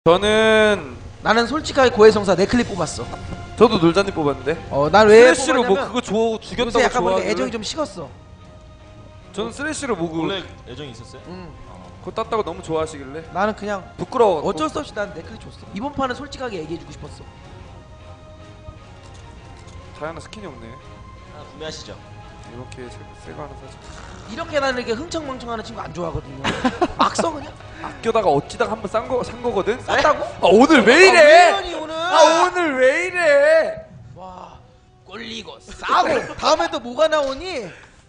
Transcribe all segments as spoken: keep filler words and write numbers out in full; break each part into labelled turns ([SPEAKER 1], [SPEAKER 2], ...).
[SPEAKER 1] 저는
[SPEAKER 2] 나는 솔직하게 고해성사 내 클립 뽑았어.
[SPEAKER 1] 저도 놀자님 뽑았는데.
[SPEAKER 2] 어, 난 왜
[SPEAKER 1] 스레쉬로 뭐
[SPEAKER 2] 뽑았냐면
[SPEAKER 1] 그거 줘 죽였다고
[SPEAKER 2] 요새 약간 보니까
[SPEAKER 1] 좋아하길래.
[SPEAKER 2] 애정이 좀 식었어.
[SPEAKER 1] 저는 스레쉬로 뭐 그거
[SPEAKER 3] 원래 애정이 있었어요?
[SPEAKER 2] 응.
[SPEAKER 1] 그거 땄다고 너무 좋아하시길래
[SPEAKER 2] 나는 그냥
[SPEAKER 1] 부끄러워.
[SPEAKER 2] 어쩔 수 없이 난 내 클립 줬어. 이번 판은 솔직하게 얘기해주고 싶었어.
[SPEAKER 1] 다이아나 스킨이 없네.
[SPEAKER 3] 하나 구매하시죠.
[SPEAKER 1] 이렇게 새거 하나 사자.
[SPEAKER 2] 이렇게 나는 이렇게 흥청망청하는 친구 안 좋아하거든요. 막 써 그냥.
[SPEAKER 1] 아껴다가 어찌다가 한번 싼 거 산 거거든.
[SPEAKER 2] 쌌다고?
[SPEAKER 1] 아 오늘 왜 이래?
[SPEAKER 2] 아, 왜 오늘?
[SPEAKER 1] 아 오늘 왜 이래?
[SPEAKER 2] 와, 꼴리고 싸고 다음에 또 뭐가 나오니?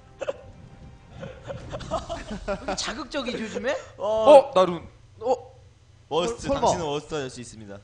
[SPEAKER 2] 왜 자극적이지 요즘에?
[SPEAKER 1] 어 나룬.
[SPEAKER 2] 어?
[SPEAKER 3] 워스트,
[SPEAKER 2] 설마.
[SPEAKER 3] 당신은 워스트 할 수 있습니다.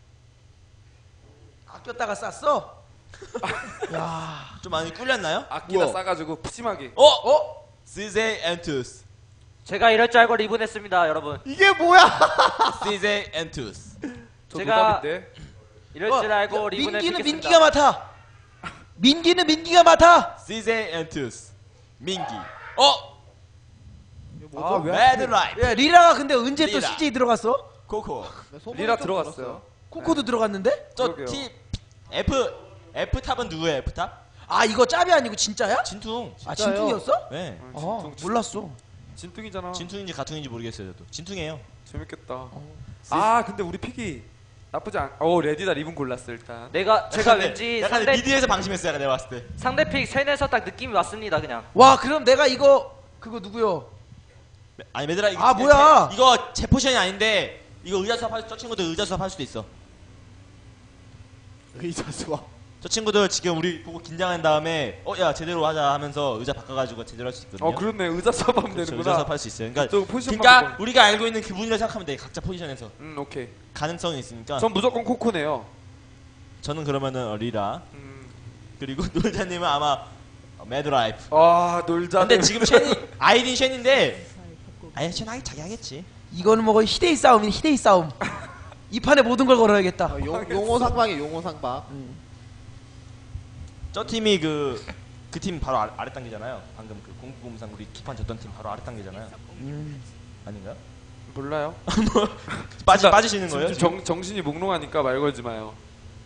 [SPEAKER 2] 아꼈다가 쌌어? 야,
[SPEAKER 3] 좀 많이 꿀렸나요?
[SPEAKER 1] 아끼다
[SPEAKER 2] 우와.
[SPEAKER 1] 싸가지고 푸짐하게.
[SPEAKER 3] 어? 어? 씨제이 엔투스.
[SPEAKER 4] 제가 이럴 줄 알고 리본했습니다, 여러분.
[SPEAKER 2] 이게 뭐야?
[SPEAKER 3] 씨제이 엔투스.
[SPEAKER 1] 저
[SPEAKER 4] 제가-
[SPEAKER 1] 노답인데.
[SPEAKER 4] 이럴
[SPEAKER 2] 어,
[SPEAKER 4] 줄 알고
[SPEAKER 2] 야,
[SPEAKER 4] 리본을
[SPEAKER 2] 민기는
[SPEAKER 4] 피겠습니다.
[SPEAKER 2] 민기가 맡아. 민기는 민기가 맡아.
[SPEAKER 3] 씨제이 엔투스. 민기. 어?
[SPEAKER 1] 아 왜?
[SPEAKER 3] 매드 라이프.
[SPEAKER 2] 야, 리라가 근데 언제 또
[SPEAKER 3] 리라.
[SPEAKER 2] 씨제이 들어갔어?
[SPEAKER 3] 코코.
[SPEAKER 1] 리라 들어갔어요.
[SPEAKER 2] 코코도 들어갔는데?
[SPEAKER 3] 저
[SPEAKER 1] 그러게요.
[SPEAKER 3] T F F 탑은 누구예요? F 탑?
[SPEAKER 2] 아, 이거 짭이 아니고 진짜야?
[SPEAKER 3] 진퉁.
[SPEAKER 2] 아, 진퉁이었어?
[SPEAKER 3] 네.
[SPEAKER 1] 어,
[SPEAKER 2] 아,
[SPEAKER 1] 진퉁, 진-
[SPEAKER 2] 몰랐어.
[SPEAKER 1] 진퉁이잖아.
[SPEAKER 3] 진퉁인지 가퉁인지 모르겠어요, 저도. 진퉁이에요.
[SPEAKER 1] 재밌겠다. 아 근데 우리 픽이 나쁘지 않. 어 레디다 리본 골랐어 일단.
[SPEAKER 4] 내가 제가
[SPEAKER 3] 약간
[SPEAKER 4] 왠지
[SPEAKER 3] 약간
[SPEAKER 4] 상대
[SPEAKER 3] 미디에서 방심했어요, 약간 내가 봤을 때.
[SPEAKER 4] 상대 픽 쉔에서 딱 느낌이 왔습니다, 그냥.
[SPEAKER 2] 와, 그럼 내가 이거 그거 누구요?
[SPEAKER 3] 아니 매드라 이거
[SPEAKER 2] 아, 뭐야?
[SPEAKER 3] 제, 이거 제 포션이 아닌데 이거 의자 수업 할, 저 친구들 의자 수업 할 수도 있어.
[SPEAKER 5] 의자 수업.
[SPEAKER 3] 저 친구들 지금 우리 보고 긴장한 다음에 어 야 제대로 하자 하면서 의자 바꿔가지고 제대로 할 수 있거든요.
[SPEAKER 1] 어 그렇네 의자 수업하면
[SPEAKER 3] 그렇죠,
[SPEAKER 1] 되는구나.
[SPEAKER 3] 의자 수업 할 수 있어요. 그러니까,
[SPEAKER 1] 저 포지션만
[SPEAKER 3] 그러니까
[SPEAKER 1] 바꿔.
[SPEAKER 3] 우리가 알고 있는 그분이라 생각하면 돼. 각자 포지션에서
[SPEAKER 1] 음 오케이.
[SPEAKER 3] 가능성이 있으니까.
[SPEAKER 1] 전 무조건 코코네요.
[SPEAKER 3] 저는 그러면은 어, 리라
[SPEAKER 1] 음.
[SPEAKER 3] 그리고 놀자님은 아마 어, 매드라이프.
[SPEAKER 1] 아 놀자.
[SPEAKER 3] 근데 지금 쉔이 아이딘 쉔인데 아예 쉔 하기 자기 하겠지.
[SPEAKER 2] 이거는 뭐 거의 희대이 싸움이네, 희대이 싸움. 이 판에 모든 걸 걸어야겠다.
[SPEAKER 5] 어, 용, 용호 상방이 용호 상방.
[SPEAKER 3] 저 팀이 그 그 팀 바로 아래, 아래 단계잖아요. 방금 그 공구공상 우리 키판 졌던 팀 바로 아래 단계잖아요.
[SPEAKER 2] 음.
[SPEAKER 3] 아닌가요?
[SPEAKER 1] 몰라요.
[SPEAKER 3] 빠지
[SPEAKER 1] 진짜
[SPEAKER 3] 빠지시는 거예요?
[SPEAKER 1] 지금 정 정신이 몽롱하니까 말 걸지 마요.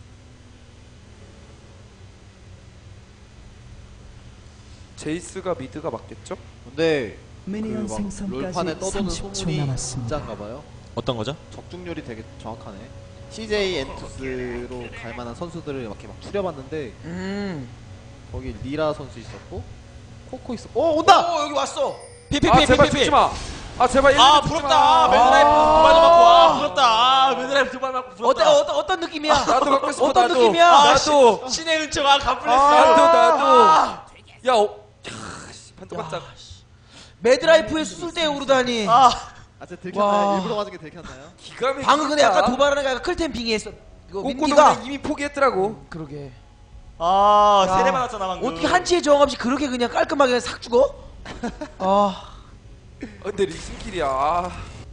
[SPEAKER 1] 제이스가 미드가 맞겠죠?
[SPEAKER 5] 근데
[SPEAKER 6] 미니언
[SPEAKER 5] 그막
[SPEAKER 6] 생성까지
[SPEAKER 5] 롤판에 떠도는
[SPEAKER 6] 삼십 초
[SPEAKER 5] 소문이
[SPEAKER 6] 남았습니다.
[SPEAKER 5] 진짜인가봐요.
[SPEAKER 3] 어떤 거죠?
[SPEAKER 5] 적중률이 되게 정확하네. 씨제이 엔투스로 갈 만한 선수들을 이렇게 막 추려봤는데
[SPEAKER 2] 음.
[SPEAKER 5] 거기 리라 선수 있었고 코코 있었고. 어 온다.
[SPEAKER 2] 오, 여기 왔어.
[SPEAKER 3] 피피피
[SPEAKER 1] 아 제발
[SPEAKER 3] 피피피.
[SPEAKER 1] 죽지 마. 아 제발 일
[SPEAKER 3] 아
[SPEAKER 1] 분 죽지
[SPEAKER 3] 부럽다.
[SPEAKER 1] 마.
[SPEAKER 3] 매드라이프
[SPEAKER 1] 아.
[SPEAKER 3] 두 발도 맞고 아 부럽다. 아 매드라이프 두 발 맞고
[SPEAKER 2] 어때,
[SPEAKER 3] 부럽다.
[SPEAKER 2] 어떤 어떤 느낌이야?
[SPEAKER 1] 나도 갖고 싶어.
[SPEAKER 2] 어떤
[SPEAKER 1] 나도.
[SPEAKER 2] 느낌이야?
[SPEAKER 3] 아,
[SPEAKER 1] 나도.
[SPEAKER 3] 시- 신의 은총아 갚을랬어.
[SPEAKER 1] 나도 나도.
[SPEAKER 2] 아.
[SPEAKER 1] 야 어. 야, 씨, 반짝반짝.
[SPEAKER 2] 매드라이프의 수술대에 오르다니.
[SPEAKER 3] 아
[SPEAKER 5] 아 진짜 들켰나요?
[SPEAKER 2] 와.
[SPEAKER 5] 일부러 맞은 게 들켰나요?
[SPEAKER 1] 기가 막히다.
[SPEAKER 2] 방금 근데 약간 도발하는 게 약간 클템 빙의했어. 이거
[SPEAKER 1] 꼬꼬도
[SPEAKER 2] 민기가.
[SPEAKER 1] 그냥 이미 포기했더라고.
[SPEAKER 2] 그러게.
[SPEAKER 3] 아
[SPEAKER 2] 야.
[SPEAKER 3] 세례 받았잖아 방금.
[SPEAKER 2] 어떻게 한치의 저항 없이 그렇게 그냥 깔끔하게 그냥 싹 죽어? 아,
[SPEAKER 1] 어, 근데 리슨킬이야. 아.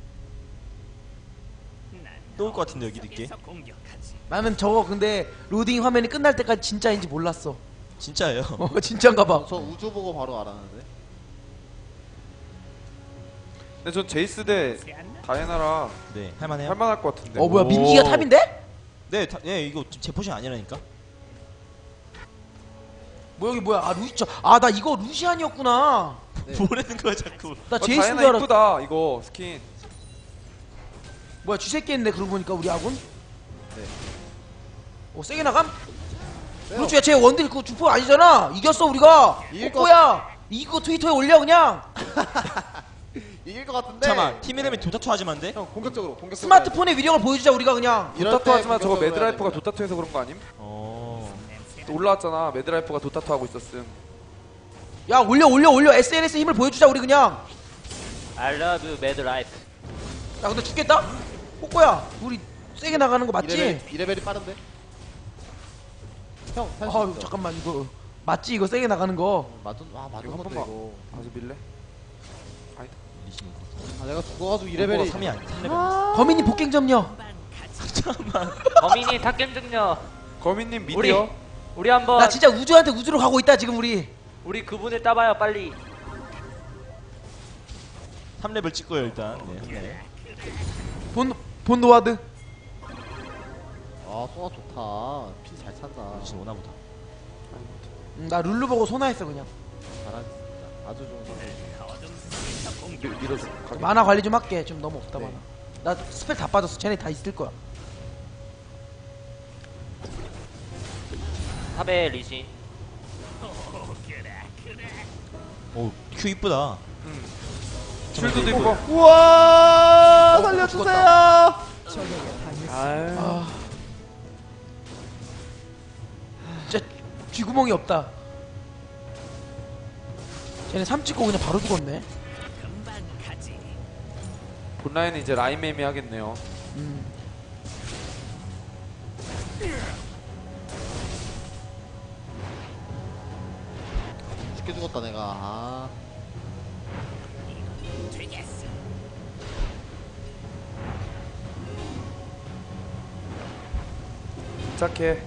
[SPEAKER 3] 또올 것 같은데 여기 늦게.
[SPEAKER 2] 나는 저거 근데 로딩 화면이 끝날 때까지 진짜인지 몰랐어.
[SPEAKER 3] 진짜예요.
[SPEAKER 2] 어, 진짜인가 봐.
[SPEAKER 5] 저 우주 보고 바로 알았는데.
[SPEAKER 1] 근데 전 제이스 대 다이애나라
[SPEAKER 3] 네 할만해요.
[SPEAKER 1] 할만할 것 같은데.
[SPEAKER 2] 어, 뭐야,
[SPEAKER 3] 오.
[SPEAKER 2] 민기가 탑인데?
[SPEAKER 3] 네, 다, 네 이거 제 포션 아니라니까.
[SPEAKER 2] 뭐 여기 뭐야? 아, 루시. 저, 아, 나 이거 루시안이었구나.
[SPEAKER 5] 네.
[SPEAKER 3] 뭐라는 거야 자꾸.
[SPEAKER 2] 나
[SPEAKER 1] 어,
[SPEAKER 2] 제이스인
[SPEAKER 1] 다이애나
[SPEAKER 2] 줄 알았.
[SPEAKER 1] 이쁘다 이거 스킨.
[SPEAKER 2] 뭐야, 쥐새끼 했네. 그러고 보니까 우리 아군.
[SPEAKER 5] 네.
[SPEAKER 2] 어, 세게 나감?
[SPEAKER 5] 빼요.
[SPEAKER 2] 그렇지, 쟤 원딜 그 주포 아니잖아. 이겼어 우리가.
[SPEAKER 5] 이길 것
[SPEAKER 2] 꼬꼬야. 이거 트위터에 올려 그냥.
[SPEAKER 5] 이길 것 같은데.
[SPEAKER 3] 잠깐만 팀 이름이 도타투 하지만 돼?
[SPEAKER 5] 형 공격적으로 공격적으로.
[SPEAKER 2] 스마트폰의 위력을 보여주자 우리가 그냥.
[SPEAKER 5] 이럴
[SPEAKER 1] 도타투
[SPEAKER 5] 때
[SPEAKER 1] 하지만 저거
[SPEAKER 5] 공격적으로 해야
[SPEAKER 1] 매드라이프가
[SPEAKER 5] 됩니다.
[SPEAKER 1] 도타투에서 그런 거 아님?
[SPEAKER 3] 어.
[SPEAKER 1] 또 올라왔잖아. 매드라이프가 도타투 하고 있었음.
[SPEAKER 2] 야, 올려 올려 올려. 에스엔에스 힘을 보여주자 우리 그냥.
[SPEAKER 4] I love you, mad life.
[SPEAKER 2] 야, 근데 죽겠다. 꼬꼬야, 우리 세게 나가는 거 맞지?
[SPEAKER 5] 이레벨, 이레벨이 빠른데? 형, 살수
[SPEAKER 2] 아,
[SPEAKER 5] 있어.
[SPEAKER 2] 잠깐만 이거 맞지? 이거 세게 나가는 거.
[SPEAKER 5] 맞은, 아, 맞은
[SPEAKER 1] 이거 한
[SPEAKER 5] 건데,
[SPEAKER 1] 번만.
[SPEAKER 5] 이거.
[SPEAKER 1] 봐서 밀래?
[SPEAKER 5] 아, 내가 죽어가지고 이레벨이.
[SPEAKER 3] 삼이 아니 삼 레벨.
[SPEAKER 2] 거민이 복갱 점령.
[SPEAKER 4] 범인이 탑겜 증녀.
[SPEAKER 1] 거민님
[SPEAKER 4] 우리
[SPEAKER 1] 미디어.
[SPEAKER 4] 우리 한번
[SPEAKER 2] 나 진짜 우주한테 우주로 가고 있다 지금 우리.
[SPEAKER 4] 우리 그분을 따봐요, 빨리.
[SPEAKER 3] 삼 레벨 찍고요 일단. 네. 네.
[SPEAKER 2] 본 본노와드.
[SPEAKER 5] 아 소나 좋다. 피 잘 찬다.
[SPEAKER 3] 진짜 오나 보다.
[SPEAKER 2] 음, 나 룰루 보고 소나했어 그냥.
[SPEAKER 5] 잘하겠습니다. 아주 좋은 선수.
[SPEAKER 1] 밀- 밀어줘. 가게.
[SPEAKER 2] 만화 관리 좀 할게. 좀 너무 없다
[SPEAKER 5] 네.
[SPEAKER 2] 만화. 나 스펠 다 빠졌어. 쟤네 다 있을 거야.
[SPEAKER 4] 탑에 리신.
[SPEAKER 3] 오, 큐 이쁘다.
[SPEAKER 1] 응. 쉴드도 있고.
[SPEAKER 5] 우와 살려주세요.
[SPEAKER 1] 아유.
[SPEAKER 2] 아. 진짜 쥐구멍이 없다. 쟤네 삼 찍고 그냥 바로 죽었네.
[SPEAKER 1] 본라인은 이제 라인 매미 하겠네요.
[SPEAKER 2] 음.
[SPEAKER 5] 쉽게 죽었다 내가. 아.
[SPEAKER 1] 침착해.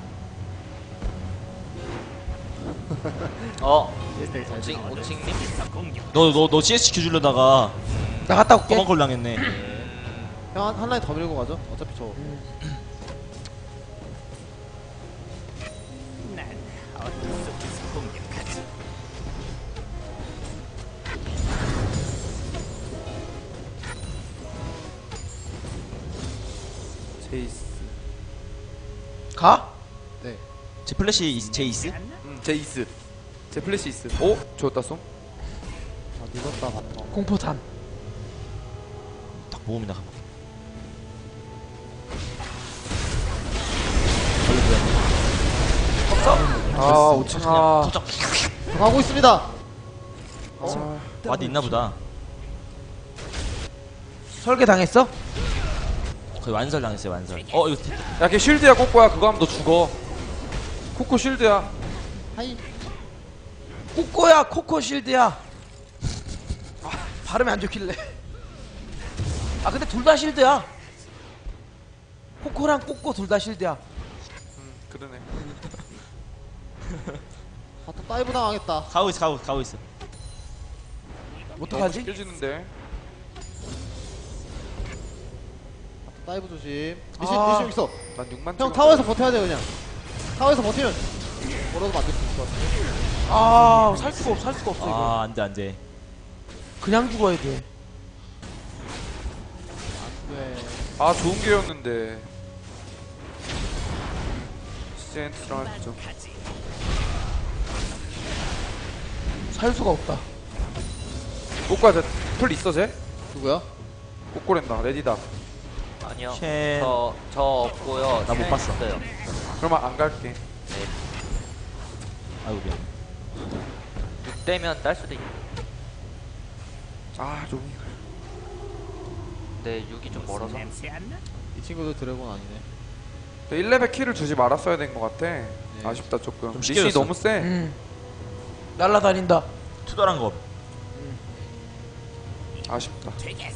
[SPEAKER 4] 어.
[SPEAKER 5] 일대일 잘
[SPEAKER 4] 오칭
[SPEAKER 5] 죽었네.
[SPEAKER 4] 오칭님.
[SPEAKER 3] 너 너 너 씨에스 큐 주려다가
[SPEAKER 2] 나 갔다 올게.
[SPEAKER 3] 검은 걸 당했네.
[SPEAKER 5] 형 한, 한 라인 더 밀고 가죠. 어차피 저
[SPEAKER 1] 제이스.
[SPEAKER 2] 가?
[SPEAKER 5] 네.
[SPEAKER 3] 제 플래시 이- 제이스?
[SPEAKER 1] 응, 제이스. 제 플래시 있어. 오, 좋다 쏨.
[SPEAKER 5] 아 늦었다 바텀.
[SPEAKER 2] 공포탄.
[SPEAKER 3] 딱 모읍니다.
[SPEAKER 1] 아, 오칭아.
[SPEAKER 3] 탑
[SPEAKER 5] 가고 있습니다.
[SPEAKER 1] 아,
[SPEAKER 3] 와드 있나 보다.
[SPEAKER 2] 설계 당했어?
[SPEAKER 3] 거의 완설 당했어요, 완설. 어, 이거
[SPEAKER 1] 야, 걔 쉴드야, 꼬꼬야. 그거 하면 너 죽어. 코코 쉴드야.
[SPEAKER 5] 하이.
[SPEAKER 2] 꼬꼬야 코코 실드야. 아, 발음이 안 좋길래. 아 근데 둘 다 실드야. 코코랑 꼬꼬 둘 다 실드야.
[SPEAKER 1] 음, 그러네.
[SPEAKER 5] 바텀 다이브 당하겠다.
[SPEAKER 3] 가고 있어, 가고 가고 있어.
[SPEAKER 2] 어떡하지?
[SPEAKER 1] 깨지는데.
[SPEAKER 5] 바텀 다이브 조심. 리신
[SPEAKER 2] 아.
[SPEAKER 5] 리신 여기 있어.
[SPEAKER 1] 난 육만
[SPEAKER 5] 형 타워에서 버텨야 돼 그냥. 타워에서 버티면 뭐라도 만들 수 있을 것 같아.
[SPEAKER 2] 아 살 수가 없어 살 수가 없어 이거.
[SPEAKER 3] 아, 안 돼, 안 돼.
[SPEAKER 2] 그냥 죽어야 돼.
[SPEAKER 5] 네.
[SPEAKER 1] 아, 좋은 기회였는데. 시젠트랑 했죠.
[SPEAKER 2] 살 수가 없다.
[SPEAKER 1] 꼬꼬야, 쟤풀 있어, 쟤?
[SPEAKER 5] 누구야?
[SPEAKER 1] 꼬꼬랜다, 레디다.
[SPEAKER 4] 아니요.
[SPEAKER 3] 쉔.
[SPEAKER 4] 저 저 없고요.
[SPEAKER 3] 나못 봤어.
[SPEAKER 4] 있어요.
[SPEAKER 1] 그러면 안 갈게.
[SPEAKER 3] 아이고 미안.
[SPEAKER 4] 육 대면 딸 수도 있.
[SPEAKER 1] 아, 좀.
[SPEAKER 4] 근데 육이 좀 멀어서.
[SPEAKER 5] 이 친구도 드래곤 아니네.
[SPEAKER 1] 일 레벨 키를 주지 말았어야 된 것 같아. 아쉽다, 조금.
[SPEAKER 3] 좀
[SPEAKER 1] 리신이
[SPEAKER 3] 쉽게
[SPEAKER 1] 너무 세.
[SPEAKER 2] 음. 날라다닌다.
[SPEAKER 3] 투덜한 거.
[SPEAKER 1] 아쉽다.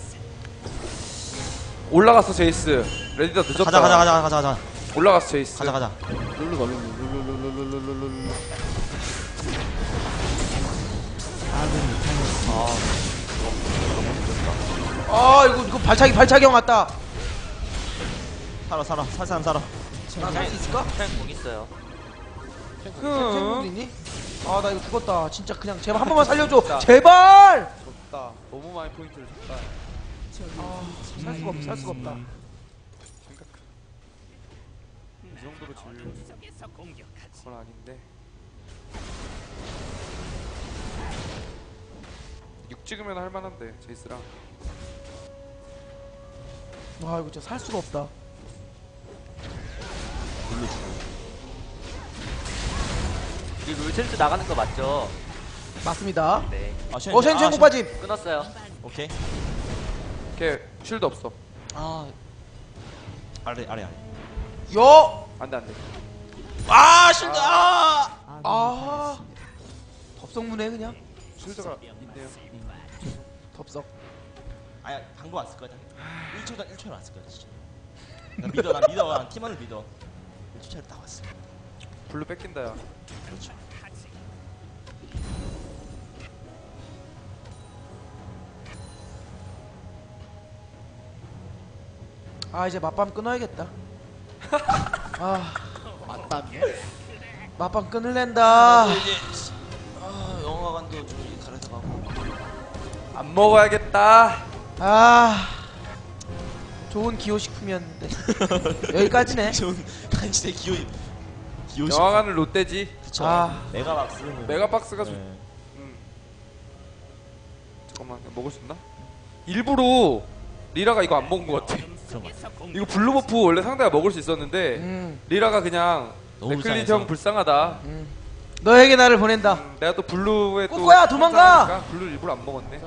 [SPEAKER 1] 올라갔어, 제이스. 레디다 늦었다.
[SPEAKER 3] 가자, 가자, 가자, 가자, 가자.
[SPEAKER 1] 올라갔어, 제이스.
[SPEAKER 3] 가자, 가자.
[SPEAKER 5] 룰루가 룰루 룰루 룰루 룰루 룰루 룰루.
[SPEAKER 2] 아 이거 이거 발차기 발차기 형 왔다.
[SPEAKER 3] 살아, 살아, 살 사람 살아.
[SPEAKER 2] 나 살 수 있을까?
[SPEAKER 4] 탱공 있어요.
[SPEAKER 2] 탱탱도
[SPEAKER 1] 흠.
[SPEAKER 2] 있니? 아 나 이거 죽었다. 진짜 그냥 제발 한 번만 살려줘.
[SPEAKER 1] 진짜.
[SPEAKER 2] 제발.
[SPEAKER 1] 졌다. 너무 많이 포인트를 줬다.
[SPEAKER 2] 살 수가 없어 살 수가 없다.
[SPEAKER 1] 생각. 이 정도로 질 건 아닌데. 육 찍으면 할만한데 제이스랑.
[SPEAKER 2] 와 이거 진짜 살 수가 없다.
[SPEAKER 4] 이 룰체스 나가는 거 맞죠?
[SPEAKER 2] 맞습니다.
[SPEAKER 4] 네.
[SPEAKER 3] 아, 쉔.
[SPEAKER 2] 어 쉔
[SPEAKER 3] 아,
[SPEAKER 2] 쉔
[SPEAKER 3] 쉔.
[SPEAKER 2] 빠짐.
[SPEAKER 4] 끊었어요.
[SPEAKER 3] 오케이.
[SPEAKER 1] 걔 쉴드 없어.
[SPEAKER 3] 아. 아래, 아래, 아래.
[SPEAKER 2] 요.
[SPEAKER 1] 안돼 안돼.
[SPEAKER 3] 아, 실드. 아!
[SPEAKER 2] 아. 덥석무네 그냥.
[SPEAKER 1] 쉴드가 있네요.
[SPEAKER 2] 덥석.
[SPEAKER 3] 아야, 방금 왔을 거야. 일 초다 일 초에 왔을 거야, 진짜. 나 믿어, 나 믿어. 난 팀원을 믿어. 일 초 차에 딱 왔어.
[SPEAKER 1] 블루 뺏긴다 야.
[SPEAKER 3] 그렇죠.
[SPEAKER 2] 아 이제 맛밤 끊어야겠다. 아
[SPEAKER 5] 맞담이요?
[SPEAKER 2] 맛밤 끊을랜다.
[SPEAKER 3] 나도 이제 아, 영화관도 좀 이제 가려서 가고.
[SPEAKER 1] 안 먹어야겠다.
[SPEAKER 2] 아 좋은 기호식품이었는데 여기까지네.
[SPEAKER 3] 좋은 간신의 기호 기호.
[SPEAKER 1] 영화관은 롯데지.
[SPEAKER 3] 그쵸.
[SPEAKER 2] 아.
[SPEAKER 3] 메가박스는
[SPEAKER 1] 메가박스가 좀.
[SPEAKER 3] 네.
[SPEAKER 1] 음. 잠깐만 먹을 수 있나? 일부러 리라가 이거 안 먹은 것 같아.
[SPEAKER 3] 그런 거 같아.
[SPEAKER 1] 이거 블루버프 원래 상대가 먹을 수 있었는데
[SPEAKER 2] 음,
[SPEAKER 1] 리라가 그냥
[SPEAKER 3] 너무
[SPEAKER 1] 맥클린
[SPEAKER 3] 불쌍해서.
[SPEAKER 1] 형 불쌍하다.
[SPEAKER 2] 음. 너에게 나를 보낸다.
[SPEAKER 1] 음, 내가 또 블루에 또
[SPEAKER 2] 꼬꼬야, 도망가!
[SPEAKER 1] 상상하니까 블루 일부러 안 먹었네.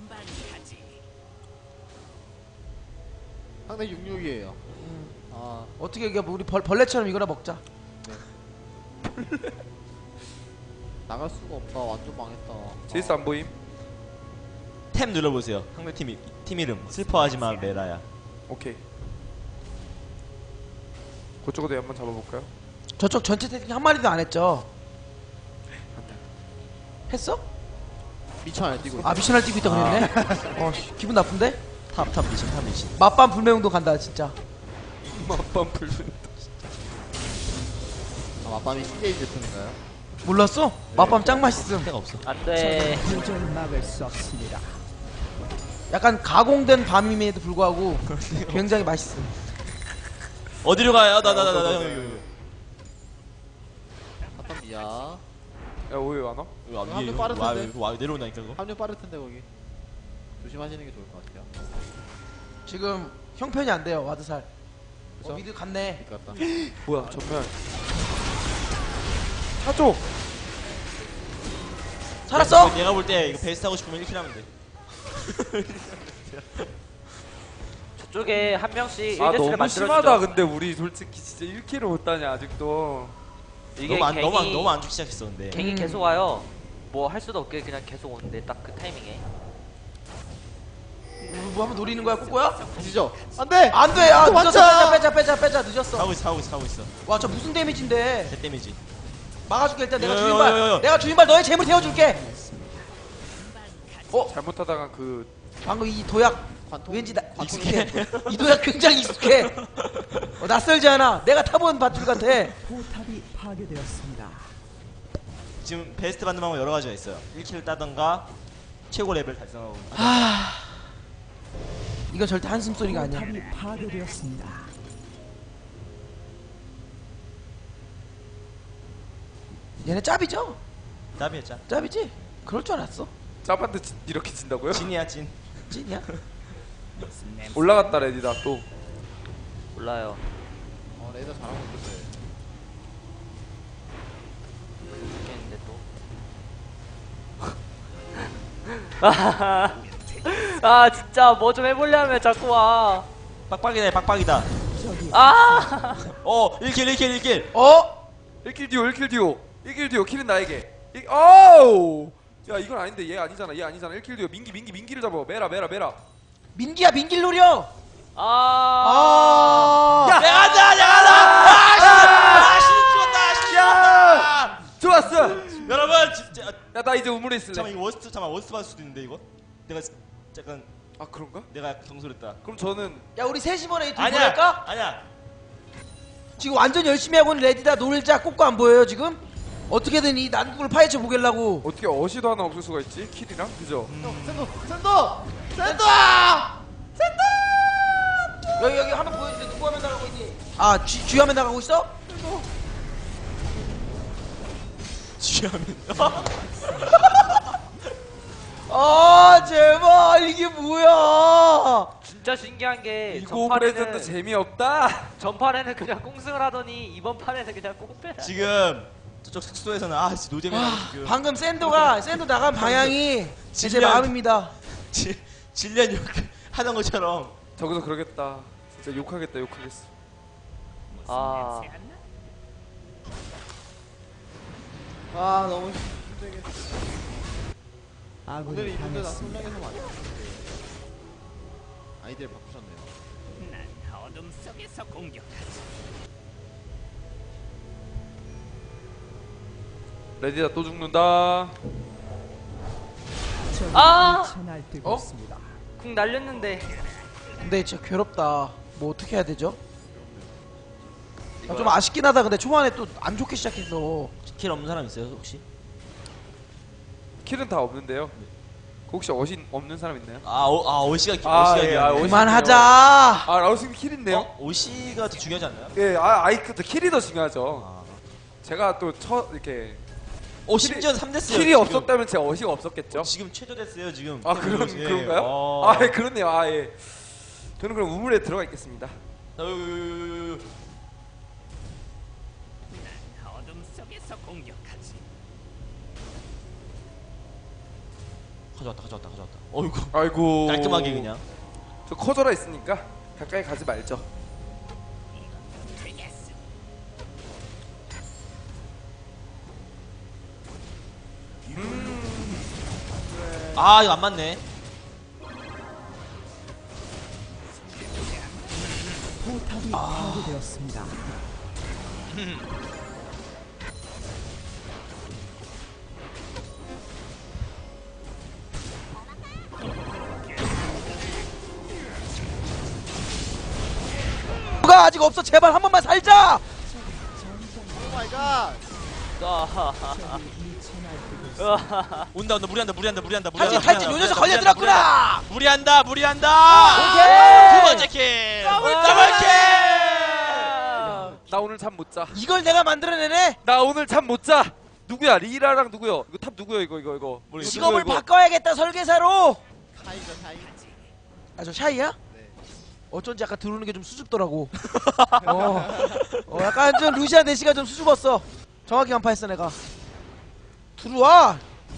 [SPEAKER 5] 상대 육십육이에요.
[SPEAKER 2] 음.
[SPEAKER 5] 아,
[SPEAKER 2] 어떻게 이게 우리 벌, 벌레처럼 이거나 먹자.
[SPEAKER 5] 나갈 수가 없다. 완전 망했다.
[SPEAKER 1] 제이스 안 보임?
[SPEAKER 3] 탭 눌러보세요. 상대 팀, 이- 팀 이름 슬퍼하지마 메라야.
[SPEAKER 1] 오케이. 그쪽으로 한번 잡아볼까요?
[SPEAKER 2] 저쪽 전체 태팅 한 마리도 안 했죠? 했어?
[SPEAKER 5] 미쳐 안 뛰고 있어.
[SPEAKER 2] 아 미션을 뛰고 있다 그랬네? 어 씨, 기분 나쁜데?
[SPEAKER 3] 탑탑 미신 탑 미신.
[SPEAKER 2] 맛밤 불매운동 간다 진짜.
[SPEAKER 1] 맛밤 불면
[SPEAKER 5] 아, 맞밤이 씨제이 제품인가요?
[SPEAKER 2] 몰랐어? 맛밤 짱 맛있음.
[SPEAKER 3] 상대가 없어.
[SPEAKER 4] 안돼.
[SPEAKER 2] 약간 가공된 밤임에도 불구하고 굉장히 맛있음.
[SPEAKER 3] 어디로 가요? 나 나 나 나 형.
[SPEAKER 5] 맞밤이야.
[SPEAKER 1] 야 오해 안 와?
[SPEAKER 3] 이거 와,
[SPEAKER 5] 합류
[SPEAKER 3] 위에
[SPEAKER 5] 빠를
[SPEAKER 3] 와,
[SPEAKER 5] 텐데.
[SPEAKER 3] 이거 와 내려온다니까 그거.
[SPEAKER 5] 합류 빠를 텐데 거기. 조심하시는 게 좋을 것 같아요.
[SPEAKER 2] 지금 형편이 안 돼요 와드살. 어,
[SPEAKER 5] 그래서?
[SPEAKER 2] 미드 갔네.
[SPEAKER 5] 일 같다.
[SPEAKER 1] 뭐야 전멸. 사줘.
[SPEAKER 2] 살았어?
[SPEAKER 3] 내가, 내가 볼 때 이거 베이스 하고 싶으면 일 킬 하면 돼.
[SPEAKER 4] 저쪽에 한 명씩
[SPEAKER 1] 아
[SPEAKER 4] 일 대스를
[SPEAKER 1] 너무 심하다.
[SPEAKER 4] 만들어주죠.
[SPEAKER 1] 근데 우리 솔직히 진짜 일 킬을 못 따냐 아직도.
[SPEAKER 4] 이게
[SPEAKER 3] 너무 안
[SPEAKER 4] 갱이
[SPEAKER 3] 너무 안 너무 안 죽기 시작했어 근데.
[SPEAKER 4] 갱이
[SPEAKER 2] 음.
[SPEAKER 4] 계속 와요. 뭐 할 수도 없게 그냥 계속 오는데 딱 그 타이밍에.
[SPEAKER 2] 뭐 한번 노리는 거야 꼬꼬야?
[SPEAKER 5] 가시죠. 안 돼!
[SPEAKER 2] 안 돼! 아
[SPEAKER 5] 또
[SPEAKER 2] 늦었어
[SPEAKER 5] 맞자!
[SPEAKER 2] 빼자 빼자 빼자 빼자 늦었어.
[SPEAKER 3] 하고 있어 하고 있어 하고 있어.
[SPEAKER 2] 와 저 무슨 데미지인데.
[SPEAKER 3] 대 데미지.
[SPEAKER 2] 막아줄게 일단 내가
[SPEAKER 3] 요,
[SPEAKER 2] 주인발
[SPEAKER 3] 요, 요, 요.
[SPEAKER 2] 내가 주인발 너의 재물 태워줄게.
[SPEAKER 1] 잘못하다가 그
[SPEAKER 2] 방금 이 도약
[SPEAKER 5] 관통.
[SPEAKER 2] 왠지 나
[SPEAKER 3] 익숙해?
[SPEAKER 2] 이 도약 굉장히 익숙해. 어, 낯설지 않아. 내가 타본 밧줄 같아.
[SPEAKER 6] 포탑이 파괴되었습니다.
[SPEAKER 3] 지금 베스트 받는 방법 여러 가지가 있어요. 일 킬을 따던가 최고 레벨 달성하고.
[SPEAKER 2] 아 이건 절대 한숨 소리가 아니야.
[SPEAKER 6] 포탑이 파괴되었습니다.
[SPEAKER 2] 얘네 짭이죠?
[SPEAKER 3] 답이었자.
[SPEAKER 2] 짭이지? 그럴 줄 알았어.
[SPEAKER 1] 짭한테 진- 이렇게 진다고요?
[SPEAKER 3] 진이야 진.
[SPEAKER 2] 찐이야?
[SPEAKER 1] 올라갔다 레디다 또.
[SPEAKER 4] 몰라요.
[SPEAKER 5] 어, 레이더 잘하고 있는데.
[SPEAKER 4] 죽겠는데 또. 아 진짜 뭐 좀 해보려면 자꾸 와.
[SPEAKER 3] 빡빡이다 빡빡이다.
[SPEAKER 4] 아.
[SPEAKER 3] 어 일 킬 일 킬 일 킬.
[SPEAKER 2] 어?
[SPEAKER 1] 일 킬 듀오 일 킬 듀오 일 킬 듀오 킬은 나에게. 일- 어우. 야 이건 아닌데 얘 아니잖아 얘 아니잖아 일 킬 듀오 민기 민기 민기를 잡아. 메라 메라 메라.
[SPEAKER 2] 민기야 민기를 노려.
[SPEAKER 4] 아.
[SPEAKER 2] 아.
[SPEAKER 1] 야!
[SPEAKER 3] 내가 한다 내가 한다. 아씨 죽었다.
[SPEAKER 1] 야! 좋았어.
[SPEAKER 3] 여러분 진짜.
[SPEAKER 1] 야 나 이제 우물에 있을래.
[SPEAKER 3] 잠깐 이거 워스트 잠깐 워스트 받을 수도 있는데 이거. 내가 잠깐
[SPEAKER 1] 아 그런가?
[SPEAKER 3] 내가 경솔했다.
[SPEAKER 1] 그럼 저는
[SPEAKER 2] 야 우리 셋이번에 이둘
[SPEAKER 3] 아니야
[SPEAKER 2] 보낼까?
[SPEAKER 3] 아니야.
[SPEAKER 2] 지금 완전 열심히 하고 있는 레디다 놀자. 꼬꼬 안 보여요 지금? 어떻게든 이 난국을 파헤쳐 보겠라고.
[SPEAKER 1] 어떻게 어시도 하나 없을 수가 있지? 킬이랑 그죠?
[SPEAKER 5] 형, 센터! 센터! 센터!
[SPEAKER 2] 여기 여기 화면 보여주세요. 누구 화면 나가고 있니? 아 쥐, 쥐 화면 나가고 있어?
[SPEAKER 3] 취하면.
[SPEAKER 2] 아 제발 이게 뭐야?
[SPEAKER 4] 진짜 신기한 게
[SPEAKER 1] 이거 프레젠도
[SPEAKER 4] 전판에는
[SPEAKER 1] 재미없다.
[SPEAKER 4] 전판에는 그냥 꽁승을 하더니 이번 판에는 그냥 꽁빼라.
[SPEAKER 3] 지금 저쪽 숙소에서는 아 진짜 노잼이라고 지금.
[SPEAKER 2] 방금 샌도가 샌도 나간 방향이 제
[SPEAKER 3] 질량.
[SPEAKER 2] 마음입니다.
[SPEAKER 3] 질 질련 욕 하던 것처럼.
[SPEAKER 1] 저기서 그러겠다. 진짜 욕하겠다 욕하겠어.
[SPEAKER 4] 아.
[SPEAKER 5] 아, 너무 힘들겠어. 오늘
[SPEAKER 6] 아군이
[SPEAKER 5] 이분들 다
[SPEAKER 6] 당했습니다.
[SPEAKER 5] 손량에서 많이 했는데. 아이디를 바꾸셨네요.
[SPEAKER 1] 레디다 또 죽는다.
[SPEAKER 6] 적이
[SPEAKER 4] 아!
[SPEAKER 6] 미쳐날뛰고
[SPEAKER 2] 어?
[SPEAKER 6] 있습니다.
[SPEAKER 4] 궁 날렸는데.
[SPEAKER 2] 근데 진짜 괴롭다. 뭐 어떻게 해야 되죠? 아, 좀 아쉽긴 하다. 근데 초반에 또 안 좋게 시작했어.
[SPEAKER 3] 킬 없는 사람 있어요 혹시?
[SPEAKER 1] 킬은 다 없는데요. 혹시 어신 없는 사람 있나요?
[SPEAKER 3] 아, 오, 아 오시가
[SPEAKER 1] 아,
[SPEAKER 3] 오시가
[SPEAKER 1] 예, 아, 오시-
[SPEAKER 2] 그만하자.
[SPEAKER 1] 아 라우스님 킬 있네요.
[SPEAKER 3] 어? 오시가 더 중요하지 않나요?
[SPEAKER 1] 예, 아 아이크 더 킬이 더 중요하죠.
[SPEAKER 3] 아.
[SPEAKER 1] 제가 또 첫 이렇게
[SPEAKER 3] 오 심지어 삼 데스요.
[SPEAKER 1] 킬이 없었다면 제가 어시가 없었겠죠.
[SPEAKER 3] 지금 최저 됐어요 지금.
[SPEAKER 1] 아 그런
[SPEAKER 3] 예.
[SPEAKER 1] 그런가요?
[SPEAKER 3] 어.
[SPEAKER 1] 아 예, 그렇네요. 아 예. 저는 그럼 우물에 들어가 있겠습니다.
[SPEAKER 3] 어유.
[SPEAKER 7] 어둠 속에서 공격하지.
[SPEAKER 3] 가져왔다 가져왔다 가져왔다. 어이구.
[SPEAKER 1] 아이고.
[SPEAKER 3] 깔끔하게 그냥.
[SPEAKER 1] 저 커져라 있으니까 가까이 가지 말죠.
[SPEAKER 7] 되겠어.
[SPEAKER 3] 아 이거 안 맞네.
[SPEAKER 6] 포탑이 파괴되었습니다.
[SPEAKER 2] 누가 아직 없어. 제발 한 번만 살자.
[SPEAKER 5] 오 마이 갓.
[SPEAKER 3] 온다 온다 무리한다 무리한다 무리한다
[SPEAKER 2] 탈진
[SPEAKER 3] 무리한다.
[SPEAKER 2] 탈진 요 녀석 걸려들었구나.
[SPEAKER 3] 무리한다 무리한다.
[SPEAKER 2] 오케이.
[SPEAKER 3] 두 번째 킬. 더블 킬.
[SPEAKER 1] 나 오늘 잠 못 자.
[SPEAKER 2] 이걸 내가 만들어내네.
[SPEAKER 1] 나 오늘 잠 못 자. 누구야? 리라랑 누구요? 이거 탑 누구요? 이거 이거 이거. 이거
[SPEAKER 2] 직업을
[SPEAKER 1] 누구요, 이거?
[SPEAKER 2] 바꿔야겠다 설계사로.
[SPEAKER 5] 타이거 타이.
[SPEAKER 2] 아 저 샤이야?
[SPEAKER 5] 네.
[SPEAKER 2] 어쩐지 약간 들어오는 게 좀 수줍더라고. 어. 어 약간 좀 루시안 대시가 좀 수줍었어. 정확히 간파했어 내가. 들어와.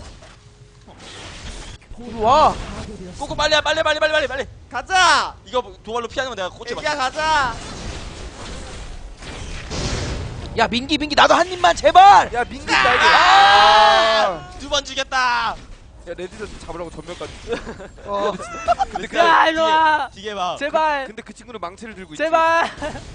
[SPEAKER 2] 들어와.
[SPEAKER 3] 꼬꼬 빨리 빨리 빨리 빨리 빨리 빨리.
[SPEAKER 5] 가자.
[SPEAKER 3] 이거 도발로 피하는 건 내가 코치
[SPEAKER 5] 애기야
[SPEAKER 3] 맞.
[SPEAKER 5] 가자.
[SPEAKER 2] 야 민기 민기 나도 한 입만 제발.
[SPEAKER 1] 야 민기 날개. 아!
[SPEAKER 3] 두번 죽였다.
[SPEAKER 1] 야 레디전 잡으라고 전멸까지.
[SPEAKER 2] 어.
[SPEAKER 1] 근데 그
[SPEAKER 4] 야 일로 와.
[SPEAKER 3] 기계 봐.
[SPEAKER 4] 제발.
[SPEAKER 1] 근데 그 친구는 망치를 들고 있지.
[SPEAKER 4] 제발.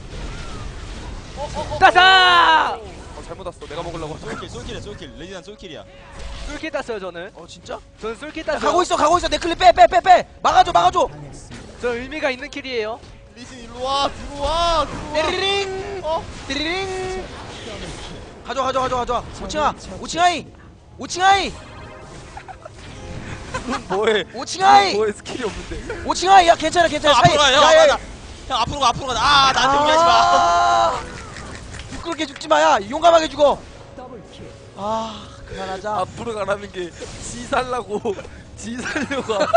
[SPEAKER 4] 따사.
[SPEAKER 1] 어, 잘못 왔어. 내가 먹으려고. 하죠.
[SPEAKER 3] 솔킬 솔킬이야 솔킬. 레디난 솔킬이야.
[SPEAKER 4] 쏠킷 땄어요 저는.
[SPEAKER 2] 어 진짜?
[SPEAKER 4] 저는 쏠킷
[SPEAKER 2] 야,
[SPEAKER 4] 땄어요.
[SPEAKER 2] 가고 있어 가고 있어 내 클립 빼 빼 빼 빼. 막아줘 막아줘.
[SPEAKER 6] 당했습니다.
[SPEAKER 4] 저 의미가 있는 킬이에요.
[SPEAKER 5] 리신 일로 와. 들어와. 들어와.
[SPEAKER 2] 띠리링.
[SPEAKER 5] 어?
[SPEAKER 2] 띠리링. 가져 가져 가져 가져. 오칭아 오칭아이 오칭아이
[SPEAKER 1] 뭐해?
[SPEAKER 2] 오칭아이
[SPEAKER 1] 뭐해? 스킬이 없는데.
[SPEAKER 2] 오칭아이 야 괜찮아 괜찮아.
[SPEAKER 3] 형
[SPEAKER 2] 사이-
[SPEAKER 3] 앞으로 가. 형,
[SPEAKER 2] 야, 야, 야.
[SPEAKER 3] 형, 형 앞으로 가 앞으로 가. 아 나한테 무리하지 마.
[SPEAKER 2] 아, 부끄럽게 죽지 마야. 용감하게 죽어.
[SPEAKER 6] 더블킬.
[SPEAKER 2] 아 그만하자.
[SPEAKER 1] 앞으로 가라는 게 지 살라고 지 살려고. 앞으로.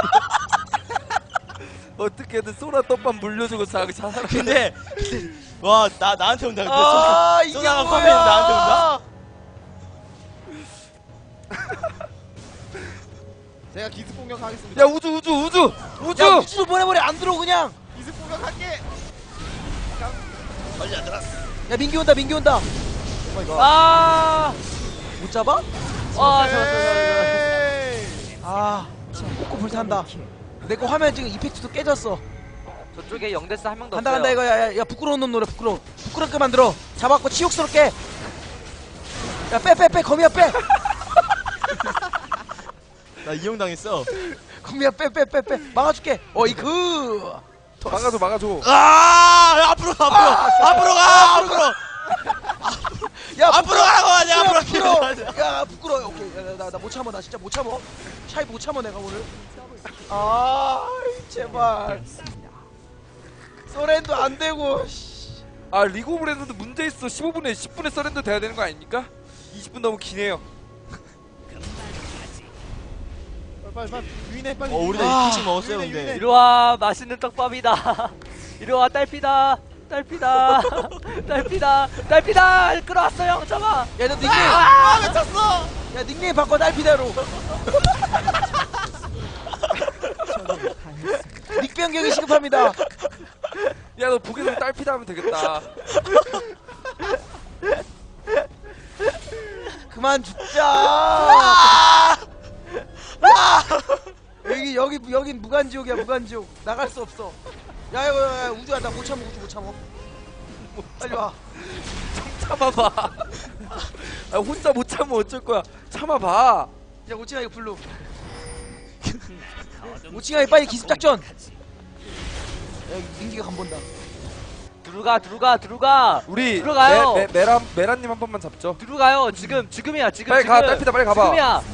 [SPEAKER 1] 어떻게든 소라 떡밥 물려주고 자기 자살.
[SPEAKER 3] 근데 와 나 나한테 온다. 근데
[SPEAKER 2] 아
[SPEAKER 3] 소-
[SPEAKER 2] 이게
[SPEAKER 3] 소나가
[SPEAKER 2] 뭐야?
[SPEAKER 3] 컴퓨터 나한테 온다.
[SPEAKER 5] 제가 기습 공격하겠습니다.
[SPEAKER 1] 야 우주 우주 우주 우주.
[SPEAKER 2] 야 우주도 보내버려 안 들어 그냥.
[SPEAKER 5] 기습 공격할게.
[SPEAKER 3] 빨리 안 들었어.
[SPEAKER 2] 야 민기 온다 민기 온다.
[SPEAKER 4] 아.
[SPEAKER 2] 못 잡아?
[SPEAKER 4] 아 잡았어.
[SPEAKER 5] 에이.
[SPEAKER 2] 아 꼬꼬 불탄다. 내 거 화면 지금 이펙트도 깨졌어.
[SPEAKER 4] 저쪽에 영대스 한 명도
[SPEAKER 2] 간다
[SPEAKER 4] 없어요.
[SPEAKER 2] 간다 이거 야야 야, 부끄러운 놈 노래 부끄러워. 부끄럽게 만들어. 잡았고 치욕스럽게. 야 빼 빼 빼 거미야 빼.
[SPEAKER 3] 나 이용 당했어.
[SPEAKER 2] 거미야 빼 빼 빼 빼. 막아줄게. 어이그.
[SPEAKER 1] 막아줘 막아줘.
[SPEAKER 3] 아 앞으로 가 앞으로 앞으로 가 앞으로
[SPEAKER 2] 야
[SPEAKER 3] 앞으로 가라고 하냐 앞으로
[SPEAKER 2] 부끄러워.
[SPEAKER 3] 가라고.
[SPEAKER 2] 야 부끄러워. 오케이 나 나 못 참어 나 진짜 못 참어. 샤이 못 참어 내가 오늘. 아 제발. 서렌도 안 되고. 씨.
[SPEAKER 1] 아 리그 오브 레전드 문제 있어. 십오 분에 십 분에 서렌더 돼야 되는 거 아닙니까? 이십 분 너무 기네요.
[SPEAKER 5] 빨리 빨리 유인해 빨리.
[SPEAKER 3] 어 우리도
[SPEAKER 2] 아,
[SPEAKER 3] 이층 먹었어요
[SPEAKER 5] 유인해,
[SPEAKER 3] 근데.
[SPEAKER 5] 유인해.
[SPEAKER 4] 이리 와 맛있는 떡밥이다. 이리 와 딸피다. 딸피다. 딸피다. 딸피다. 끌어왔어요. 잡아.
[SPEAKER 2] 야너 닉네임.
[SPEAKER 5] 아 미쳤어.
[SPEAKER 2] 야 닉네임 바꿔 딸피대로.
[SPEAKER 6] 적을 당했습니다.
[SPEAKER 2] 닉 변경이 시급합니다.
[SPEAKER 1] 야 너 보기에서 딸피다 하면 되겠다.
[SPEAKER 2] 그만 죽자. 아! 여기 여기 여긴 무간지옥이야 무간지옥. 나갈 수 없어. 야, 야, 야, 야 우주야 나 못 참어 우주 못 참어. 빨리 와.
[SPEAKER 1] 참아봐. 아, 혼자 못 참으면 어쩔 거야. 참아봐.
[SPEAKER 2] 야 오칭아 이거 블루. 오칭아 빨리 기습 작전. 야 민기가 간 본다.
[SPEAKER 4] 들어가 들어가 들어가
[SPEAKER 1] 우리
[SPEAKER 4] 들어가요.
[SPEAKER 1] 메, 메, 메라 메라님 한 번만 잡죠.
[SPEAKER 4] 들어가요. 지금 지금이야 지금
[SPEAKER 1] 빨리
[SPEAKER 4] 지금.
[SPEAKER 1] 가, 딸피다 빨리 가봐.
[SPEAKER 4] 지금이야.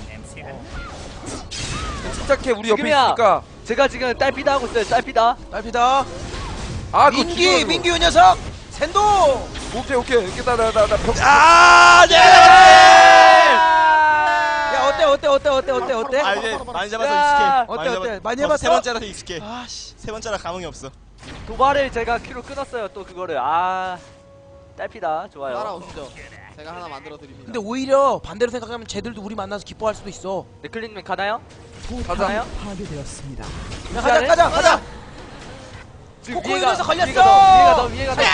[SPEAKER 1] 침착해, 우리 옆에
[SPEAKER 4] 지금이야.
[SPEAKER 1] 있으니까.
[SPEAKER 4] 제가 지금 딸피다 하고 있어요. 딸피다.
[SPEAKER 2] 딸피다.
[SPEAKER 1] 아, 그거
[SPEAKER 2] 민기
[SPEAKER 1] 죽여가지고.
[SPEAKER 2] 민기 이 녀석. 샌도.
[SPEAKER 1] 오케이 오케이 이렇게 나나나나 벽.
[SPEAKER 3] 아, 네.
[SPEAKER 2] 야 어때 어때 어때 어때 어때 어때?
[SPEAKER 3] 아, 이제 많이 잡아서
[SPEAKER 4] 야,
[SPEAKER 3] 익숙해.
[SPEAKER 2] 어때, 어때? 많이
[SPEAKER 3] 어,
[SPEAKER 2] 해봤어?
[SPEAKER 3] 세 번째라서 익숙해.
[SPEAKER 2] 아씨.
[SPEAKER 3] 세 번째라 감흥이 없어.
[SPEAKER 4] 도발을 제가 큐로 끊었어요. 또 그거를 아 딸피다 좋아요.
[SPEAKER 5] 따라오시죠. 제가 하나 만들어 드립니다.
[SPEAKER 2] 근데 오히려 반대로 생각하면 쟤들도 우리 만나서 기뻐할 수도 있어.
[SPEAKER 4] 네클린님 가나요?
[SPEAKER 6] 포탑이
[SPEAKER 4] 가나요?
[SPEAKER 6] 파괴되었습니다.
[SPEAKER 2] 야, 가자 가자 가자.
[SPEAKER 4] 지금
[SPEAKER 2] 코코
[SPEAKER 4] 위에가
[SPEAKER 2] 위에서 걸렸어!
[SPEAKER 4] 위에가 더 위에가 더 위에가 더.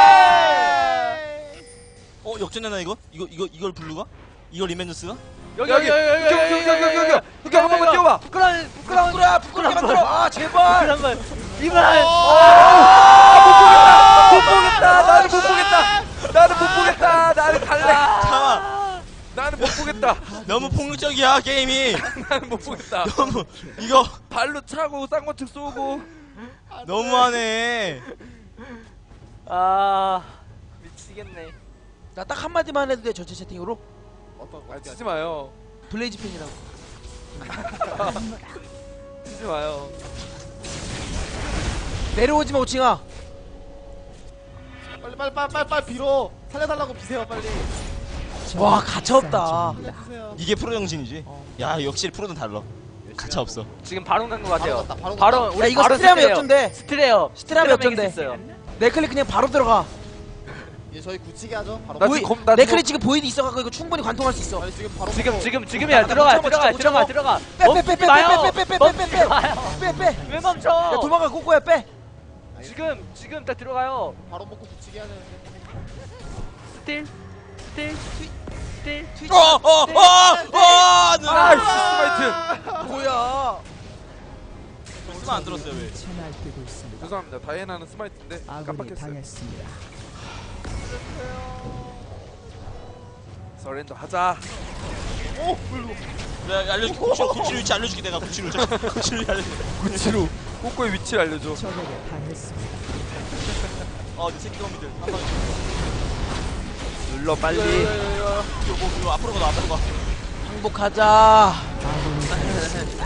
[SPEAKER 3] 어, 역전되나 이거? 이거 이거 이걸 블루가? 이걸 리멘더스가?
[SPEAKER 4] 여기
[SPEAKER 1] 여기,
[SPEAKER 4] 여기 여기 여기
[SPEAKER 1] 여기, 여기, 여기, 여기, 여기. 여기 한 번만
[SPEAKER 4] 여기.
[SPEAKER 1] 뛰어봐.
[SPEAKER 4] 부끄러운 부끄러운
[SPEAKER 2] 부끄러워 부끄럽게 만들어. 아 제발.
[SPEAKER 4] 한번 이발.
[SPEAKER 1] 못 보겠다. 나는 못 보겠다. 나는 못 보겠다. 나는 갈래.
[SPEAKER 3] 잠깐만.
[SPEAKER 1] 나는 못 보겠다.
[SPEAKER 3] 너무 폭력적이야 게임이.
[SPEAKER 1] 나는 못 보겠다.
[SPEAKER 3] 너무 이거
[SPEAKER 1] 발로 차고 쌍권측 쏘고.
[SPEAKER 3] 너무하네.
[SPEAKER 4] 아 미치겠네.
[SPEAKER 2] 나 딱 한마디만 해도 돼 전체 채팅으로.
[SPEAKER 5] 어떤
[SPEAKER 1] 아, 치지 마요.
[SPEAKER 2] 블레이즈 팬이라고.
[SPEAKER 1] 치지 마요.
[SPEAKER 2] 내려오지마 오칭아.
[SPEAKER 5] 빨리 빨리 빨리 빨리 빨리 빌어. 살려달라고 비세요 빨리.
[SPEAKER 2] 와 가차 없다.
[SPEAKER 5] 살려주세요.
[SPEAKER 3] 이게 프로 정신이지. 야, 역시 프로는 달라. 가차 없어.
[SPEAKER 4] 지금 바로 간 것 같아요.
[SPEAKER 5] 바로 갔다, 바로
[SPEAKER 4] 바로
[SPEAKER 5] 갔다.
[SPEAKER 2] 야 이거 스트레하면 역전돼.
[SPEAKER 4] 스트레요.
[SPEAKER 2] 스트레하면 역전돼.
[SPEAKER 4] 있어요.
[SPEAKER 2] 네클릭 그냥 바로 들어가.
[SPEAKER 5] 이제 저희 굳히게 하죠. 바로.
[SPEAKER 1] 나
[SPEAKER 2] 보이,
[SPEAKER 1] 지금 검- 나
[SPEAKER 2] 네클릭 지금 보이드 있어갖고 이거 충분히 관통할 수 있어.
[SPEAKER 5] 빨리 지금 바로.
[SPEAKER 4] 지금
[SPEAKER 5] 먹고.
[SPEAKER 4] 지금 지금이야.
[SPEAKER 2] 나
[SPEAKER 4] 들어가
[SPEAKER 2] 못
[SPEAKER 4] 들어가
[SPEAKER 2] 참아,
[SPEAKER 4] 들어가
[SPEAKER 2] 못
[SPEAKER 4] 들어가.
[SPEAKER 2] 빼빼빼빼빼빼빼빼빼빼
[SPEAKER 4] 멈추지 마요.
[SPEAKER 2] 빼빼.
[SPEAKER 4] 왜 멈춰?
[SPEAKER 2] 야 도망가 코코야 빼.
[SPEAKER 4] 지금 지금 딱 들어가요.
[SPEAKER 5] 바로 먹고 굳히게 해야 되는데.
[SPEAKER 4] 스틸 스틸 스틸.
[SPEAKER 3] 어, 어, 어, 어,
[SPEAKER 1] 아이씨,
[SPEAKER 3] 아,
[SPEAKER 1] 스마이트.
[SPEAKER 2] 뭐야?
[SPEAKER 3] 쓰면 안 들었어요 왜?
[SPEAKER 6] 채날뛰고 있습니다.
[SPEAKER 1] 죄송합니다. 다이애나는 스마이트인데
[SPEAKER 6] 아군이
[SPEAKER 1] 깜빡했어요.
[SPEAKER 6] 당했습니다.
[SPEAKER 1] 서렌더 하자.
[SPEAKER 3] 내가 알려줄게. 구칠, 구칠 위치 알려줄게. 내가 구칠 위치. 구칠 위치 알려줄게.
[SPEAKER 1] 구치로 꼬꼬의 위치를 알려줘.
[SPEAKER 6] 적에게 당했습니다.
[SPEAKER 3] 어, 내 새끼 놈이들. 한 방에.
[SPEAKER 1] 눌러 빨리.
[SPEAKER 3] 이거, 뭐, 이거 앞으로 가, 너 앞으로 가.
[SPEAKER 2] 행복하자.
[SPEAKER 6] 아군이 당했습니다.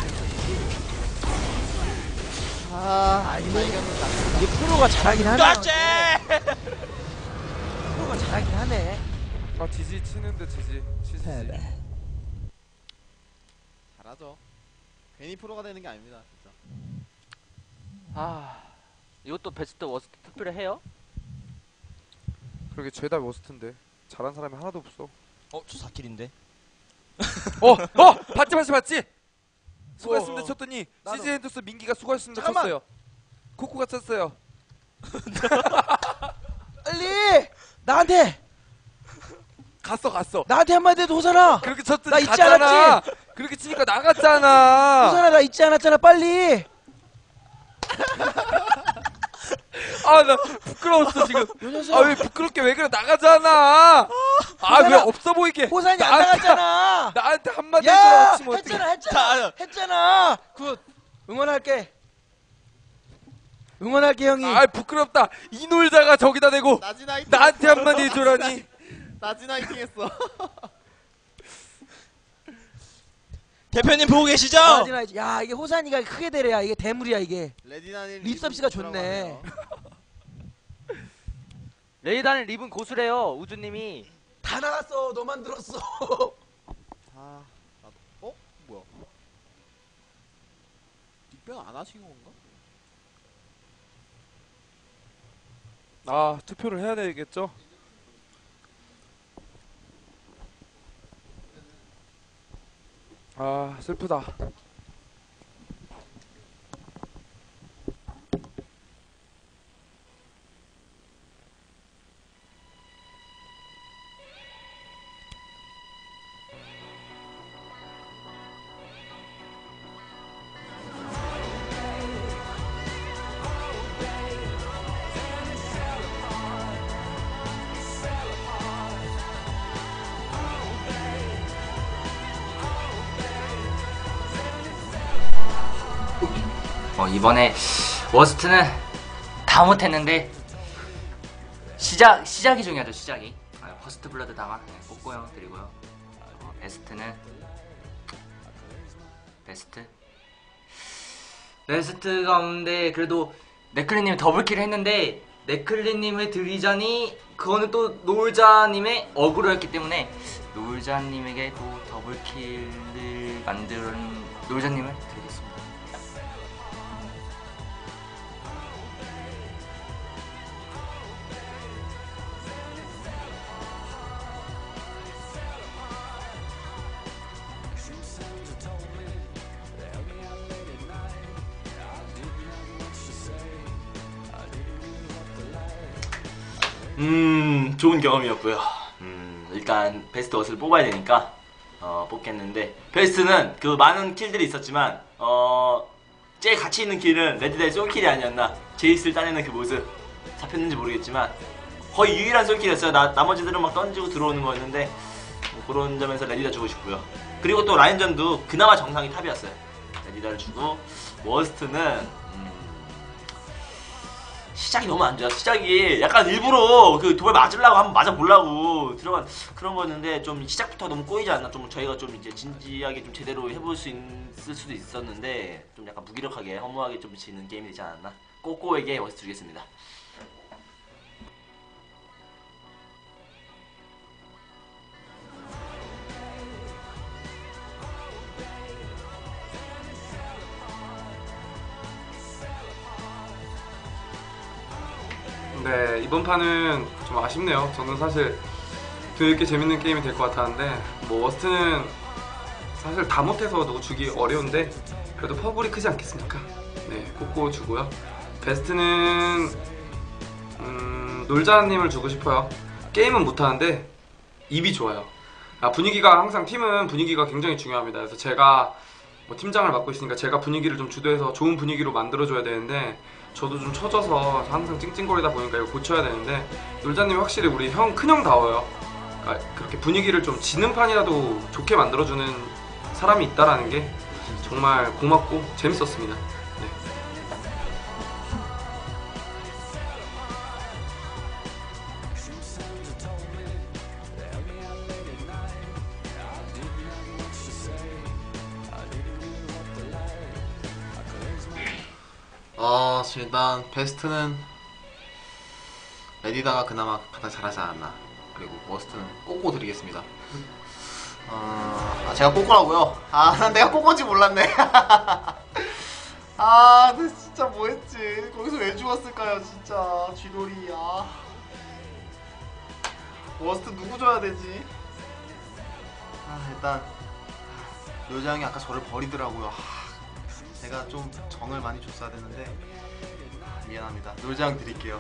[SPEAKER 5] 아 이거 이겼는다.
[SPEAKER 2] 이게 프로가 잘하긴 하네.
[SPEAKER 3] 깍지!
[SPEAKER 2] 프로가 잘하긴 하네.
[SPEAKER 1] 아 지지 치는데 지지. 치지.
[SPEAKER 6] 패배.
[SPEAKER 5] 잘하죠. 괜히 프로가 되는 게 아닙니다. 진짜.
[SPEAKER 4] 아 이것도 베스트 워스트 투표를 해요?
[SPEAKER 1] 그러게 죄다 워스트인데 잘한 사람이 하나도 없어.
[SPEAKER 3] 어, 저 사 킬인데.
[SPEAKER 1] 어, 어, 봤지 봤지 봤지. 수고했습니다
[SPEAKER 2] 어,
[SPEAKER 1] 쳤더니
[SPEAKER 2] 나도.
[SPEAKER 1] 씨지 엔더스 민기가 수고했습니다
[SPEAKER 2] 잠깐만.
[SPEAKER 1] 쳤어요. 코코가 쳤어요.
[SPEAKER 2] 빨리 나한테
[SPEAKER 1] 갔어 갔어.
[SPEAKER 2] 나한테 한마디 해도 호선아.
[SPEAKER 1] 그렇게 쳤더니
[SPEAKER 2] 나 잊지
[SPEAKER 1] 갔잖아.
[SPEAKER 2] 않았지?
[SPEAKER 1] 그렇게 치니까 나갔잖아.
[SPEAKER 2] 호선아 나 잊지 않았잖아 빨리.
[SPEAKER 1] 아 나 부끄러웠어 지금.
[SPEAKER 2] 요 녀석.
[SPEAKER 1] 아 왜 부끄럽게 왜 그래 나가잖아. 아 왜
[SPEAKER 2] 호선아,
[SPEAKER 1] 없어 보이게.
[SPEAKER 2] 호선이 안
[SPEAKER 1] 나한테-
[SPEAKER 2] 나갔잖아.
[SPEAKER 1] 나한테 한마디
[SPEAKER 2] 야
[SPEAKER 1] 해주라고 치면 어떡해.
[SPEAKER 2] 했잖아 했잖아
[SPEAKER 3] 자,
[SPEAKER 2] 했잖아. 굿 응원할게. 응원할게 형이.
[SPEAKER 1] 아 부끄럽다. 이 놀자가 저기다 대고
[SPEAKER 5] 나진 화이팅.
[SPEAKER 1] 나한테 한마디 해주라니.
[SPEAKER 5] 나진 화이팅 했어.
[SPEAKER 3] 대표님 보고 계시죠?
[SPEAKER 2] 아, 야 이게 호산이가 크게 되래야 이게 대물이야 이게.
[SPEAKER 5] 레디나님
[SPEAKER 2] 립섭씨가 좋네.
[SPEAKER 4] 레이다는 립은 고수래요. 우주님이.
[SPEAKER 2] 다 나갔어 너만 들었어.
[SPEAKER 5] 아 나도. 어 뭐야? 닉변 안 하신 건가?
[SPEAKER 1] 아 투표를 해야 되겠죠? 아 슬프다.
[SPEAKER 8] 어, 이번에 워스트는 다 못했는데 시작 시작이 중요하죠. 시작이. 아, 퍼스트 블러드다가 네, 꼬꼬 형 드리고요. 어, 베스트는 베스트 베스트가 없는데 그래도 네클리님이 더블킬 했는데 네클리님을 드리자니 그거는 또 노을자님의 어그로였기 때문에 노을자님에게 또 더블킬을 만든 노을자님을 드리겠습니다.
[SPEAKER 3] 음 좋은 경험이었고요. 음 일단 베스트 옷을 뽑아야 되니까 어 뽑겠는데 베스트는 그 많은 킬들이 있었지만 어 제일 가치 있는 킬은 레드다의 솔킬이 아니었나. 제이스를 따내는 그 모습 잡혔는지 모르겠지만 거의 유일한 솔킬이었어요. 나, 나머지들은 막 던지고 들어오는 거였는데 뭐 그런 점에서 레디다 주고 싶고요. 그리고 또 라인전도 그나마 정상이 탑이었어요. 레디다를 주고 워스트는 시작이 너무 안 좋아. 시작이 약간 일부러 그 도발 맞으려고 한번 맞아보려고 들어간 그런 거였는데 좀 시작부터 너무 꼬이지 않나. 좀 저희가 좀 이제 진지하게 좀 제대로 해볼 수 있을 수도 있었는데 좀 약간 무기력하게 허무하게 좀 지는 게임이 되지 않았나. 꼬꼬에게 워스트 주겠습니다.
[SPEAKER 1] 네, 이번 판은 좀 아쉽네요. 저는 사실 되게 재밌는 게임이 될 것 같았는데 뭐 워스트는 사실 다 못해서 누구 주기 어려운데 그래도 퍼블이 크지 않겠습니까? 네, 꼬꼬 주고요. 베스트는 음, 놀자님을 주고 싶어요. 게임은 못하는데 입이 좋아요. 아, 분위기가 항상 팀은 분위기가 굉장히 중요합니다. 그래서 제가 뭐 팀장을 맡고 있으니까 제가 분위기를 좀 주도해서 좋은 분위기로 만들어줘야 되는데 저도 좀 처져서 항상 찡찡거리다 보니까 이거 고쳐야 되는데 놀자님이 확실히 우리 형 큰형다워요. 그러니까 그렇게 분위기를 좀 지는 판이라도 좋게 만들어주는 사람이 있다라는 게 정말 고맙고 재밌었습니다. 네.
[SPEAKER 5] 어, 일단 베스트는 레디다가 그나마 가장 잘하지 않았나. 그리고 워스트는 꼬꼬 드리겠습니다. 어, 아, 제가 꼬꼬라고요? 아, 난 내가 꼬꼬인지 몰랐네. 아, 나 진짜 뭐했지? 거기서 왜 죽었을까요, 진짜. 쥐돌이. 아, 워스트 누구 줘야 되지? 아, 일단 요장이 아까 저를 버리더라고요. 제가 좀 정을 많이 줬어야 됐는데 미안합니다. 놀장 드릴게요.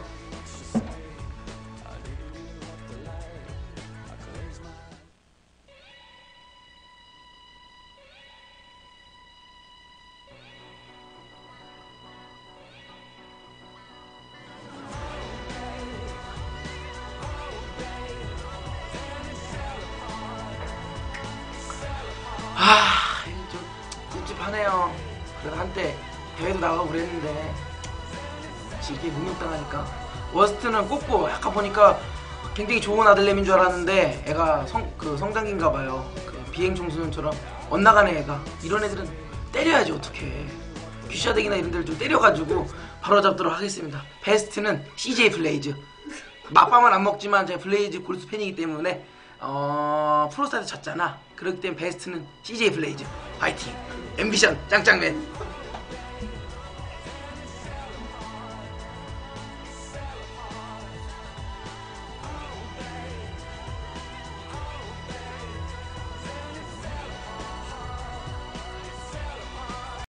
[SPEAKER 2] 아, 좀 찝찝하네요. 그래도 한때 대회도 나가고 그랬는데 이게 능력당하니까. 워스트는 꼬꼬 약간 보니까 굉장히 좋은 아들내미인 줄 알았는데 애가 성, 그 성장기인가 봐요. 그 비행 청소년처럼 엇나가는 애가. 이런 애들은 때려야지 어떡해. 귀샤덱이나 이런 데를 좀 때려가지고 바로 잡도록 하겠습니다. 베스트는 씨제이 블레이즈. 맛밥은 안 먹지만 제가 블레이즈 골수 팬이기 때문에 어... 프로스타트 졌잖아. 그렇기 때문에 베스트는 씨제이 블레이즈. 파이팅. 앰비션 짱짱맨.